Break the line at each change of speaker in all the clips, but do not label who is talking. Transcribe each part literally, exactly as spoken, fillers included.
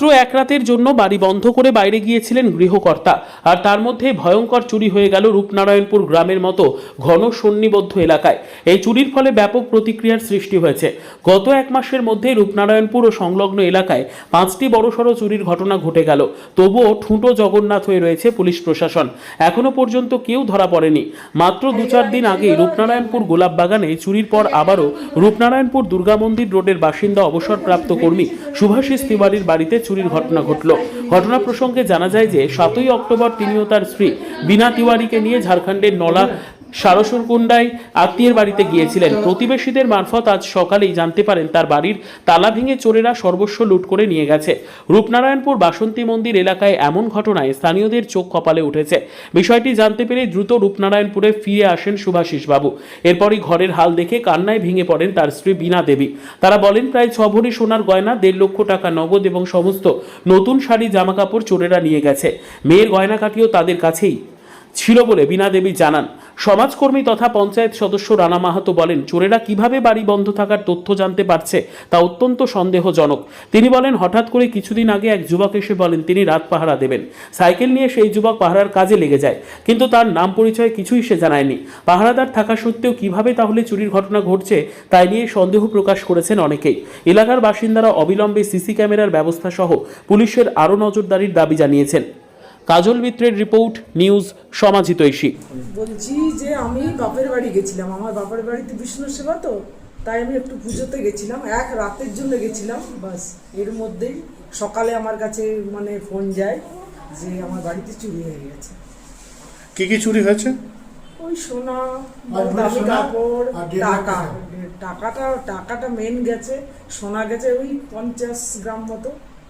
মাত্র এক রাতের জন্য বাড়ি বন্ধ করে বাইরে গিয়েছিলেন গৃহকর্তা, আর তার মধ্যে ভয়ঙ্কর চুরি হয়ে গেল রূপনারায়ণপুর গ্রামের মতো ঘন সন্নিবদ্ধ এলাকায়। এই চুরির ফলে ব্যাপক প্রতিক্রিয়ার সৃষ্টি হয়েছে। গত এক মাসের মধ্যে রূপনারায়ণপুর ও সংলগ্ন এলাকায় পাঁচটি বড়সড় চুরির ঘটনা ঘটে গেল। তবুও ঠুঁটো জগন্নাথ হয়ে রয়েছে পুলিশ প্রশাসন। এখনো পর্যন্ত কেউ ধরা পড়েনি। মাত্র দু চার দিন আগেই রূপনারায়ণপুর গোলাপবাগানে চুরির পর আবারও রূপনারায়ণপুর দুর্গা মন্দির রোডের বাসিন্দা অবসরপ্রাপ্ত কর্মী শুভাশিস তিওয়ারির বাড়িতে চুরির ঘটনা ঘটল। ঘটনা প্রসঙ্গে জানা যায় যে সাতই অক্টোবর তিনি ও তার স্ত্রী বীণা তিওয়ারিকে নিয়ে ঝাড়খণ্ডের নলা সারসুরকুন্ডায় আত্মীয়ের বাড়িতে গিয়েছিলেন। প্রতিবেশীদের মারফত আজ সকালেই জানতে পারেন তার বাড়ির তালা ভেঙে চোরেরা সর্বস্ব লুট করে নিয়ে গেছে। রূপনারায়ণপুর বাসন্তী মন্দির এলাকায় এমন ঘটনায় স্থানীয়দের চোখ কপালে উঠেছে। বিষয়টি জানতে পেরে দ্রুত রূপনারায়ণপুরে ফিরে আসেন শুভাশিস বাবু। এরপরই ঘরের হাল দেখে কান্নায় ভেঙে পড়েন তার স্ত্রী বীণা দেবী। তারা বলেন প্রায় ছ ভরি সোনার গয়না, দেড় লক্ষ টাকা নগদ এবং সমস্ত নতুন শাড়ি জামাকাপড় চোরেরা নিয়ে গেছে। মেয়ের গয়নাকাটিও তাদের কাছেই ছিল বলে বীণা দেবী জানান। সমাজকর্মী তথা পঞ্চায়েত সদস্য রানা মাহাতো বলেন, চোরেরা কিভাবে বাড়ি বন্ধ থাকার তথ্য জানতে পারছে তা অত্যন্ত সন্দেহজনক। তিনি বলেন, হঠাৎ করে কিছুদিন আগে এক যুবক এসে বলেন তিনি রাত পাহারা দেবেন। সাইকেল নিয়ে সেই যুবক পাহারার কাজে লেগে যায়, কিন্তু তার নাম পরিচয় কিছুই সে জানায়নি। পাহারাদার থাকা সত্ত্বেও কিভাবে তাহলে চুরির ঘটনা ঘটছে তাই নিয়ে সন্দেহ প্রকাশ করেছেন অনেকেই। এলাকার বাসিন্দারা অবিলম্বে সিসি ক্যামেরার ব্যবস্থা সহ পুলিশের আরও নজরদারির দাবি জানিয়েছেন। কাজল মিত্রের রিপোর্ট, নিউজ সমাজিতৈষী।
বলছি যে আমি বাপের বাড়ি গেছিলাম, আমার বাপের বাড়িতে বিষ্ণু সেবা, তো তাই আমি একটু পুজোতে গেছিলাম, এক রাতের জন্য গেছিলাম বাস। এর মধ্যেই সকালে আমার কাছে মানে ফোন যায় যে আমার বাড়িতে চুরি হয়ে গেছে।
কি কি চুরি হয়েছে?
ওই সোনা, দামি কাপড়, টাকা। টাকাটা টাকাটা মেন গেছে, সোনা গেছে ওই পঞ্চাশ গ্রাম মতো,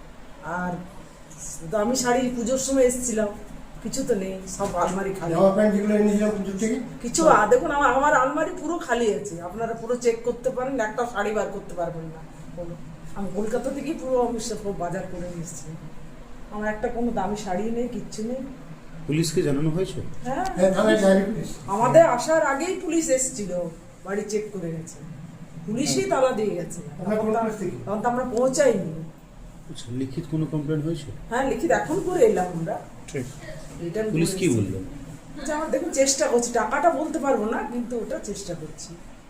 আর দামি শাড়ি পুজোর সময় এসেছিলাম, কিছু তো নেই, সব আলমারি খালি। কিছু দেখুন আমার আমার আলমারি পুরো খালি আছে, আপনারা পুরো চেক করতে পারেন, একটা শাড়ি বার করতে পারবেন না। আমি কলকাতা থেকে পুরো আমি সব বাজার করে নিয়ে এসেছি, আমার একটা কোনো দামি শাড়ি নেই, কিচ্ছু নেই।
পুলিশকে জানানো হয়েছে?
হ্যাঁ, আমাদের আসার আগেই পুলিশ এসেছিল, বাড়ি চেক করে গেছে, পুলিশই তালা দিয়ে গেছে, তখন তো আমরা পৌঁছাইনি।
আচ্ছা, লিখিত কোনো কমপ্লেন হয়েছে?
হ্যাঁ, লিখিত এখন করে এলাম আমরা।
ঠিক। পুলিশ কি বললো?
যে আমরা দেখুন চেষ্টা করছি, টাকাটা বলতে পারবো না, কিন্তু ওটা চেষ্টা করছি।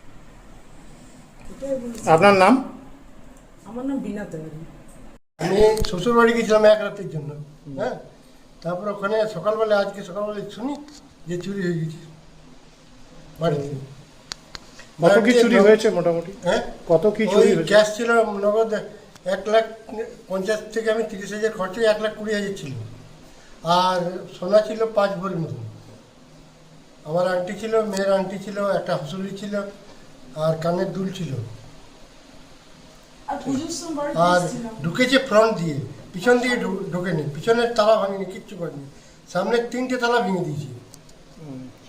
আপনার নাম?
আমার নাম বীণা তিওয়ারি।
আমি শ্বশুর বাড়ি গেছিলাম এক রাতের জন্য। হ্যাঁ, তারপর ওখানে সকালবেলা আজকে সকালবেলা শুনি যে চুরি হয়ে গেছে বাড়িতে।
কত কি চুরি হয়েছে মোটামুটি?
হ্যাঁ,
কত কি চুরি হয়েছে?
গ্যাস ছিল নগদ এক লাখ পঞ্চাশ থেকে আমি তিরিশ হাজার খরচ, এক লাখ কুড়ি হাজার ছিল, আর সোনা ছিল পাঁচ ভরির মতো। আমার আংটি ছিল, মেয়ের আংটি ছিল, একটা হাসুলি ছিল, আর কানের দুল ছিল। আর ঢুকেছে ফ্রন্ট দিয়ে, পিছন দিকে ঢোকেনি, পিছনের তালা ভাঙেনি, কিচ্ছু করেনি, সামনের তিনটে তালা ভেঙে দিয়েছি।